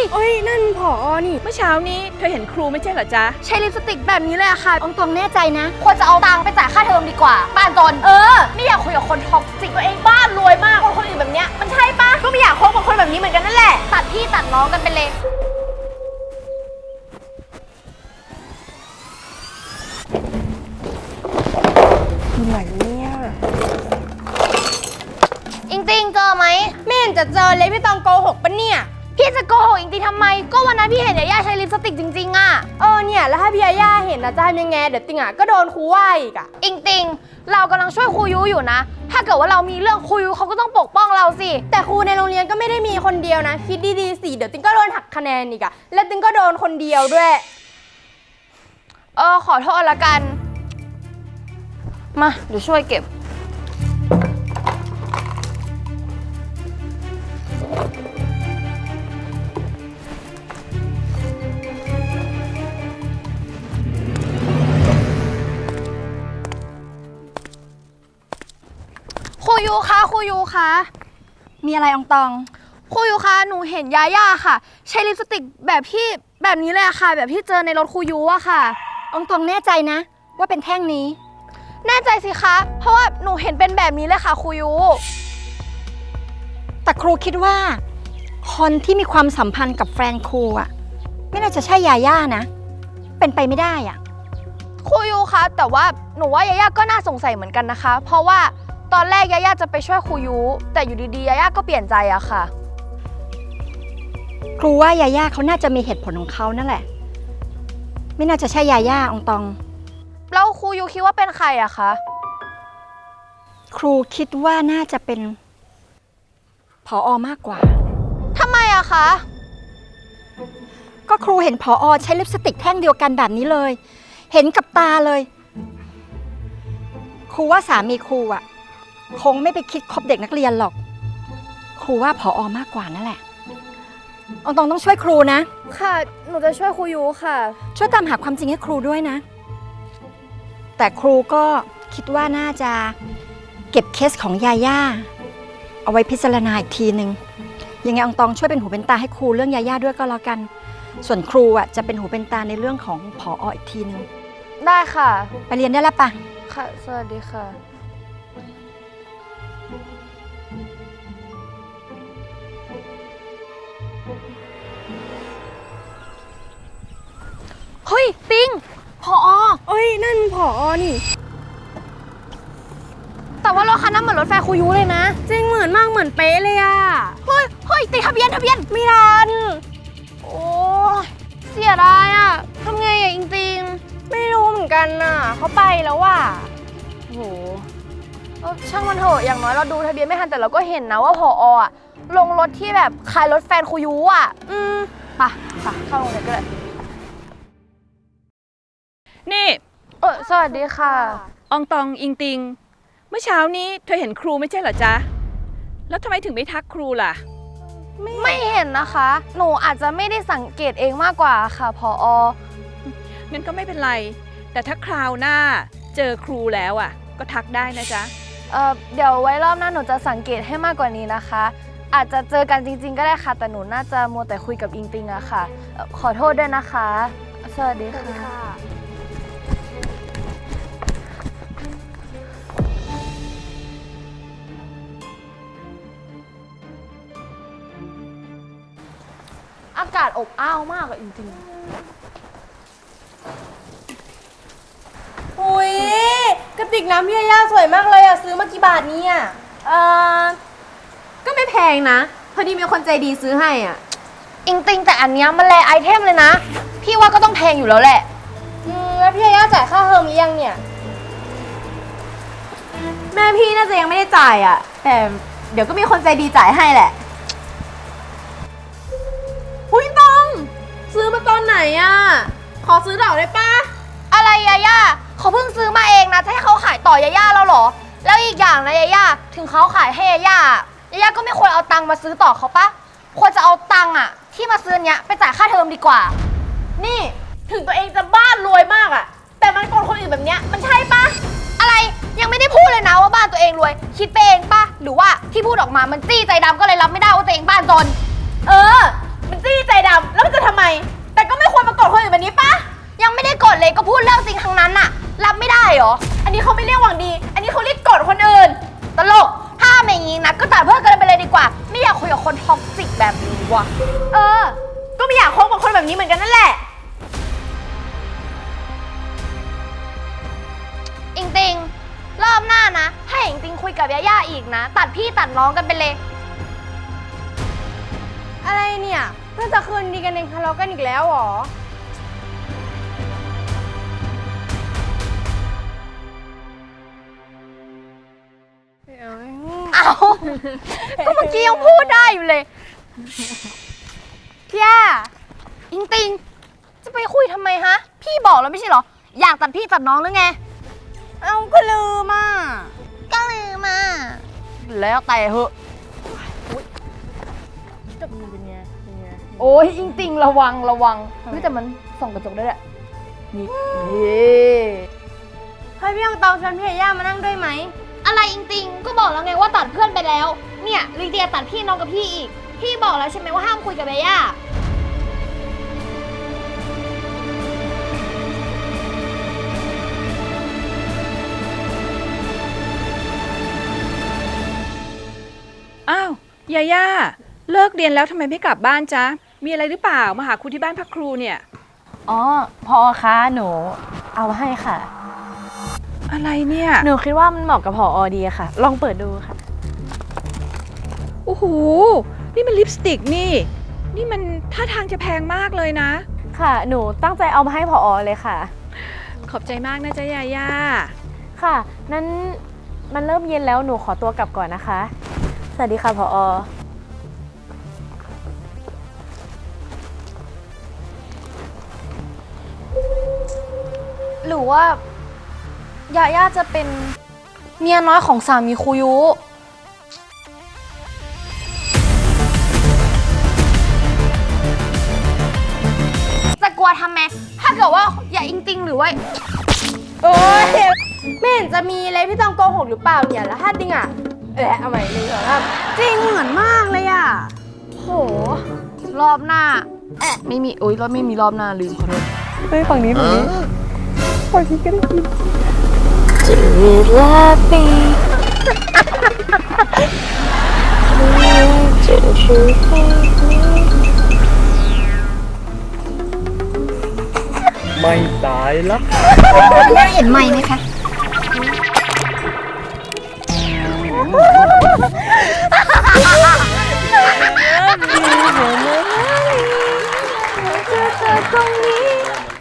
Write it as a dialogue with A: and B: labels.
A: เอ้ยนั่นผอนี่
B: เมื่อเช้านี้เธอเห็นครูไม่ใช่เหรอจ๊ะ
C: ใช้ลิปสติกแบบนี้เลยอะค่ะองตองแน่ใจนะควรจะเอาตังค์ไปจ่ายค่าเทอมดีกว่าบ้านจนไม่อยากคุยกับคนท็อกซิกตัวเองบ้านรวยมากคนอื่นแบบเนี้ยมันใช่ปะก็ไม่อยากคบกับคนแบบนี้เหมือนกันนั่นแหละตัดพี่ตัดน้องกันไปเลย
A: อยู่ไหนเนี่ย
C: อิงติงเจอไหม
A: ไม่เห็นจะเจอเลยพี่ตองโกหกปะเนี่ย
C: พี่จะโกหกอิงติงทำไมก็วันนั้นพี่เห็นยาย่าใช้ลิปสติกจริงๆอะ
A: เนี่ยแล้วถ้าพี่ยาย่าเห็นนะจะทำยังไงเดี๋ยวติงก็โดนครูว่าอีก
C: อิงติงเรากำลังช่วยครูยุอยู่นะถ้าเกิดว่าเรามีเรื่องครูยุเขาก็ต้องปกป้องเราสิ
A: แต่ครูในโรงเรียนก็ไม่ได้มีคนเดียวนะคิดดีๆสิเดี๋ยวติงก็โดนหักคะแนนอีกแล้วติงก็โดนคนเดียวด้วย
C: ขอโทษละกันมาเดี๋ยวช่วยเก็บครูยูคะครูยูคะ
A: มีอะไรอองตอง
C: ครูยูคะหนูเห็นยาย่าค่ะใช้ลิปสติกแบบนี้เลยอะค่ะแบบที่เจอในรถครูยูอะค่ะ
A: อองตองแน่ใจนะว่าเป็นแท่งนี้
C: แน่ใจสิคะเพราะว่าหนูเห็นเป็นแบบนี้เลยค่ะครูยู
A: แต่ครูคิดว่าคนที่มีความสัมพันธ์กับแฟนครูไม่น่าจะใช่ยาย่านะเป็นไปไม่ได้
C: ครูยูคะแต่ว่าหนูว่ายาย่าก็น่าสงสัยเหมือนกันนะคะเพราะว่าตอนแรกยาย่าจะไปช่วยครูยูแต่อยู่ดีๆยาย่าก็เปลี่ยนใจอะค่ะ
A: ครูว่ายาย่าเขาน่าจะมีเหตุผลของเขานั่นแหละไม่น่าจะใช่ยาย่าอองตอง
C: แล้วครูยูคิดว่าเป็นใครอะคะ
A: ครูคิดว่าน่าจะเป็นผอ.มากกว่า
C: ทำไมอะคะ
A: ก็ครูเห็นผอ.ใช้ลิปสติกแท่งเดียวกันแบบนี้เลยเห็นกับตาเลยครูว่าสามีครูคงไม่ไปคิดคบเด็กนักเรียนหรอกครูว่าผอ.มากกว่านั่นแหละอองตองต้องช่วยครูนะ
C: ค่ะหนูจะช่วยครูยูค่ะ
A: ช่วยตามหาความจริงให้ครูด้วยนะแต่ครูก็คิดว่าน่าจะเก็บเคสของยาย่าเอาไว้พิจารณาอีกทีนึงยังไงอองตองช่วยเป็นหูเป็นตาให้ครูเรื่องยาย่าด้วยก็แล้วกันส่วนครูจะเป็นหูเป็นตาในเรื่องของผอ.อีกทีนึง
C: ได้ค่ะ
A: ไปเรียนได้แล้วปะ
C: ค่ะสวัสดีค่ะเฮ้ยติงผอ.
A: เอ้ยนั่นผอ.นี่
C: แต่ว่ารถคันนั้นเหมือนรถไฟครูยูเลยนะ
A: จริงเหมือนมากเหมือนเป๊ะเลย
C: เฮ้ยติดทะเบียน
A: ไม่ทัน
C: โอ้เสียดายทำไงจริง
A: ๆไม่รู้เหมือนกันเขาไปแล้ว
C: โหช่างมันเถอะอย่างน้อยเราดูทะเบียนไม่ทันแต่เราก็เห็นนะว่าผอ.ลงรถที่แบบขายรถแฟนครูยูไปเข้าโรงเรียนก็เลย
B: นี่
C: สวัสดีค่ะ
B: อองตองอิงติงเมื่อเช้านี้เธอเห็นครูไม่ใช่เหรอจ๊ะแล้วทำไมถึงไม่ทักครูล่ะ
C: ไม่เห็นนะคะหนูอาจจะไม่ได้สังเกตเองมากกว่าค่ะผอ.
B: งั้นก็ไม่เป็นไรแต่ถ้าคราวหน้าเจอครูแล้วก็ทักได้นะจ๊ะ
C: เดี๋ยวไว้รอบหน้าหนูจะสังเกตให้มากกว่านี้นะคะอาจจะเจอกันจริงๆก็ได้ค่ะแต่หนูน่าจะมัวแต่คุยกับอิงติงอะค่ะขอโทษด้วยนะคะสวัสดีค่ะอากาศอบอ้าวมากจริง
A: ๆอุ้ยกระติกน้ำพี่ยาย่าสวยมากเลยซื้อมากี่บาทเนี่ย
D: ก็ไม่แพงนะพอดีมีคนใจดีซื้อให้
C: อิงติงแต่อันนี้มันแลไอเทมเลยนะพี่ว่าก็ต้องแพงอยู่แล้วแหละ
A: แล้วพี่ยาย่าจ่ายค่าเทอมหรือยังเนี่ย
D: แม่พี่น่าจะยังไม่ได้จ่ายแต่เดี๋ยวก็มีคนใจดีจ่ายให้แหละอุ้ยต้องซื้อมาตอนไหนขอซื้อดอกได้ปะ
C: อะไรยาย่าเขาเพิ่งซื้อมาเองนะจะให้เขาขายต่อยาย่าแล้วหรอแล้วอีกอย่างนะยาย่าถึงเขาขายให้ยาย่าก็ไม่ควรเอาตังค์มาซื้อต่อเขาปะควรจะเอาตังค์ที่มาซื้อเนี้ยไปจ่ายค่าเทอมดีกว่า
D: นี่ถึงตัวเองจะบ้านรวยมากแต่มันโกงคนอื่นแบบเนี้ยมันใช่ปะ
C: อะไรยังไม่ได้พูดเลยนะว่าบ้านตัวเองรวยคิดไปเองปะหรือว่าที่พูดออกมามันจี้ใจดำก็เลยรับไม่ได้ว่าตัวเองบ้านจน
D: มันจี้ใจดเออ ก็ไม่อยากคบกับคนแบบนี้เหมือนกันนั่นแหละ
C: อิงติงรอบหน้านะให้อิงติงคุยกับยาย่าอีกนะ ตัดพี่ตัดน้องกันไปเลย
D: อะไรเนี่ยเพิ่งจะคืนดีกันเองทะเลาะกันอีกแล้วเหรอ
C: เอาก็เมื่อกี้ยังพูดได้อยู่เลยพี่ย่าอิงติงจะไปคุยทำไมฮะ พี่บอกแล้วไม่ใช่เหรอ อยากตัดพี่ตัดน้องหรือไง
D: เอาก็ลืมอ่ะ
C: ก็ลืมมาแล้วแต่เหอะโอ้ยอิงติงระวังเฮ้ยแต่มันส่องกระจกได้แหละนี่
D: ให้พี่ยังตองชวนพี่ยาย่ามานั่งด้วยไหม
C: อะไรอิงติงก็บอกแล้วไงว่าตัดเพื่อนไปแล้ว เนี่ยลิเดียตัดพี่น้องกับพี่อีก พี่บอกแล้วใช่ไหมว่าห้ามคุยกับเบย่า
B: อ้าว ยาย่า เลิกเรียนแล้วทำไมไม่กลับบ้านจ๊ะ มีอะไรหรือเปล่า มาหาครูที่บ้านพักครูเนี่ย
E: อ๋อพอคะหนูเอาให้ค่ะ
B: อะไรเนี่ย
E: หนูคิดว่ามันเหมาะกับพอดีค่ะ ลองเปิดดูค่ะ
B: โอ้โห นี่มันลิปสติกนี่ นี่มันท่าทางจะแพงมากเลยนะ
E: ค่ะ หนูตั้งใจเอามาให้พอเลยค่ะ
B: ขอบใจมากนะจ๊ะยาย่า
E: ค่ะนั้นมันเริ่มเย็นแล้วหนูขอตัวกลับก่อนนะคะ สวัสดีค่ะพอ
C: หรือว่ายาย่าจะเป็นเมียน้อยของสามีครูยุ จะกลัวทำไม ถ้าเกิดว่าอย่าอิงติงหรือว่า
D: โอ้ยไม่เห็นจะมีเลยพี่ต้องโกหกหรือเปล่าเนี่ย แล้วถ้าจริงอ่ะเอาใหม่หนึ่งสองสามจริงเหมือนมากเลยอ่ะ
C: โห รอบหน้า ไม่มีโอ๊ยรอบไม่มีรอบหน้าลืมขอโทษ
E: เฮ้ยฝั่งนี้ฝั่งนี้ฝั่งนี้ก็ได้กิน
F: ไม่ตายละ
A: ย่าเห็นไหมไหมคะ
C: เจอตรง